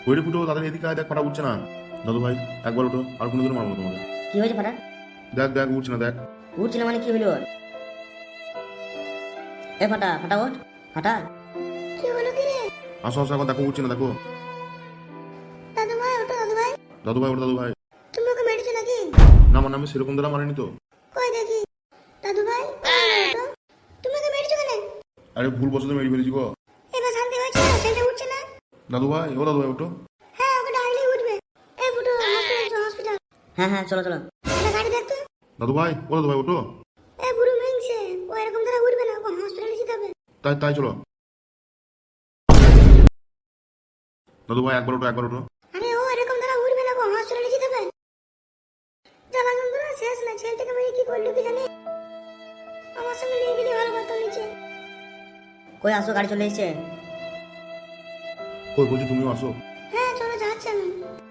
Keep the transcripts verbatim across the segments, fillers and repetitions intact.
ওইরে ফুটো তাদের এদিকে আয়, দেখ ফাটা উঠছে না। দাদু ভাই একবার ওঠো, আর কোনো দিন মারবো না তোমাকে। কি হয়েছে ফাটা? দেখ দেখ উঠছে না, দেখ। উঠছিল মানে কি হলো? এ ফাটা, ফাটা ওঠ, ফাটা। কি হলো কি রে? আসো আসো, একবার দেখো উঠছে না, দেখো। দাদু ভাই ওটা দাদু ভাই, দাদু ভাই ওঠো, দাদু ভাই। তুমি ওকে মেরেছো নাকি? না মানে আমি সেরকম দ্বারা মারিনি তো। কই দেখি। দাদু ভাই ওটা তুমি ওকে মেরেছো কেন? আরে ভুল বসতে মেরে ফেলেছি গো। এবার শান্তি হয়েছে না? ছেলেটা উঠছে না। দাদু ভাই ও দাদু ভাই ওঠো। হ্যাঁ ওকে ডাকলেই উঠবে। এই ফুটো হসপিটাল হসপিটাল। হ্যাঁ হ্যাঁ চলো চলো। এটা গাড়ি দেখতো। দাদু ভাই ও দাদু ভাই ওঠো। এই বুড়ো মেংছে ও এরকম ধরে উঠবে না, ওকে হসপিটালে যেতে হবে। তাই তাই চলো। দাদু ভাই একবার ওঠো, একবার ওঠো। আরে ও এরকম ধরে উঠবে না, ওকে হসপিটালে যেতে হবে। জ্বালা যন্ত্রণা শেষ না, ছেলেটাকে মেরে কি করলো কি জানি। আমার সঙ্গে নিয়ে গেলে ভালো কথা নিচে। কই আসো, গাড়ি চলে এসেছে। কই বলছি তুমিও আসো। হ্যাঁ চলো যাচ্ছি আমি।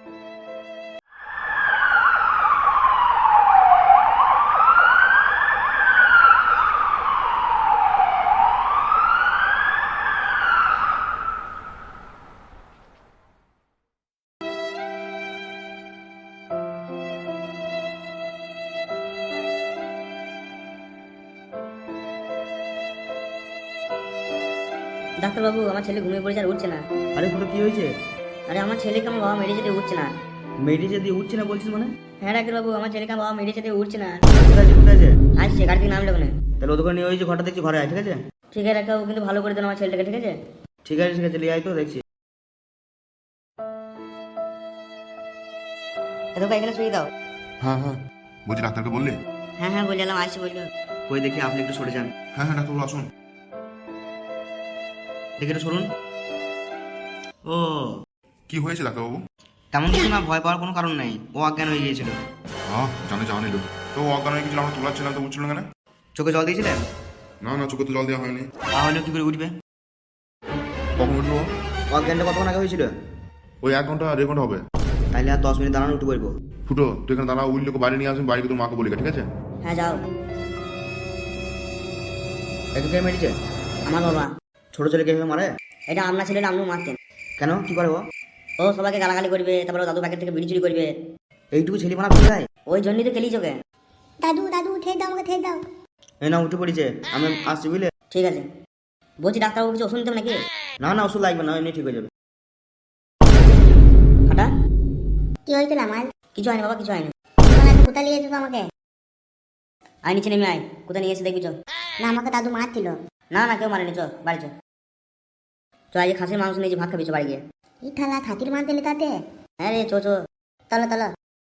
ডাক্তারবাবু, আমার ছেলে ঘুমিয়ে পড়েছে আর উঠছে না। আরে ফুটো কি হয়েছে? আরে আমার ছেলেকে আমার বাবা মেরে যেতে উঠছে না। মেডিসে দিয়ে উঠছে না বলছিস মানে? হ্যাঁ ডাক্তারবাবু, আমার ছেলেকে আমার বাবা মেরে যেতে উঠছে না। কোথায় আছে কোথায় আছে? আসছে, গাড়ি থেকে নামলে ওখানে। তাহলে ওদের নিয়ে ওই যে ঘরটা দেখছি ঘরে আয়, ঠিক আছে? ঠিক আছে ডাক্তারবাবু, কিন্তু ভালো করে দেন আমার ছেলেটাকে, ঠিক আছে? ঠিক আছে ঠিক আছে, নিয়ে আয় তো দেখছি। এতটা এখানে শুয়ে দাও। হ্যাঁ হ্যাঁ বলছি ডাক্তারকে বললি? হ্যাঁ হ্যাঁ বললাম, আসছি বললো। কই দেখি আপনি একটু সরে যান। হ্যাঁ হ্যাঁ ডাক্তারবাবু আসুন। দেখি একটু সরুন। ও কি হয়েছে ডাক্তারবাবু? তেমন কিছু না, ভয় পাওয়ার কোনো কারণ নেই, ও অজ্ঞান হয়ে গিয়েছিল। হ্যাঁ জানে জানি লোক তো অজ্ঞান হয়ে গেছিল, আমরা তোলাচ্ছিলাম তো উঠছিল না কেন? চোখে জল দিয়েছিলেন? না না চোখে তো জল দেওয়া হয়নি। তাহলে কি করে উঠবে? কখন উঠলো? অজ্ঞানটা কতক্ষণ আগে হয়েছিল? ওই এক ঘন্টা দেড় ঘন্টা হবে। তাহলে আর দশ মিনিট দাঁড়ানো উঠে পড়বো। ফুটো তুই এখানে দাঁড়া, উঠলে বাড়ি নিয়ে আসবেন, বাড়িকে তোর মাকে বলি, ঠিক আছে? হ্যাঁ যাও। একে কে মেরেছে? আমার বাবা। ছোট ছেলেকে এভাবে মারে? এটা আপনার ছেলেটা আপনিও মারতেন। কেন, কি করে ও? ও সবাইকে গালাগালি করবে, তারপর ও দাদু প্যাকেট থেকে বিড়ি চুরি করবে। এইটুকু ছেলে মানা ভুলে যায়? ওই জন্যই তো খেলি চোখে। দাদু দাদু উঠে দাও, আমাকে ঠেক দাও। এই না উঠে পড়েছে, আমি আসছি বুঝলে? ঠিক আছে। বলছি ডাক্তারবাবু কিছু ওষুধ নিতে হবে নাকি? না না ওষুধ লাগবে না, এমনি ঠিক হয়ে যাবে। ফাটা, কি হয়েছিল আমার? কিছু হয়নি বাবা, কিছু হয়নি। তোমার এত কোথায় নিয়ে যেত আমাকে? আয় নিচে নেমে আয়, কোথায় নিয়ে এসে দেখবি চ। না আমাকে দাদু মারছিল। না না কেউ মারেনি, চ বাড়ি চ। চ আজ খাসির মাংস নিয়েছি, ভাত খাবি চ বাড়ি গিয়ে। এই থালা খাতির মার দিলে তাতে। হ্যাঁ রে চ চ। তলো তলো।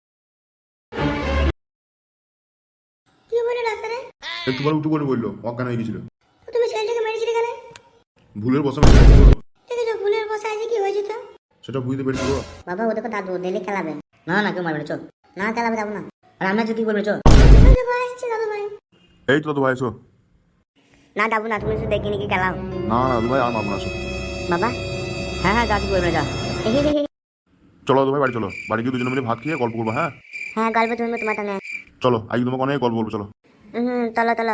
কি বলে ডাক্তারে? একটু পরে উঠে পড়ে বললো অজ্ঞান হয়ে গেছিল। তো তুমি ছেলেটাকে মেরেছিলে কেন? ভুলের বসে মেরেছিল তো। দেখেছো ভুলের বসে আছে কি হয়েছে তো? সেটা বুঝতে পেরেছি গো। বাবা ও দেখো দাদু দিলে খেলাবে। না না কেউ মারবে না, চ। না খেলাবে যাবো না। আর আমি আজকে কি বলবে চ। ওই দেখো আসছে দাদু ভাই। এই তো দাদু ভাই এসো। না যাবো না, তুমি শুধু দেখি নাকি খেলাও। না না দাদু ভাই আর মারবো না, আসো। বাবা হ্যাঁ হ্যাঁ যা, কিছু বলবে না যা। চলো দাদু ভাই বাড়ি চলো, বাড়ি গিয়ে দুজনে মিলে ভাত খেয়ে গল্প করবো। হ্যাঁ হ্যাঁ গল্প শুনবো তোমার সঙ্গে। চলো আজকে তোমাকে অনেক গল্প বলবো, চলো। হুম চলো চলো।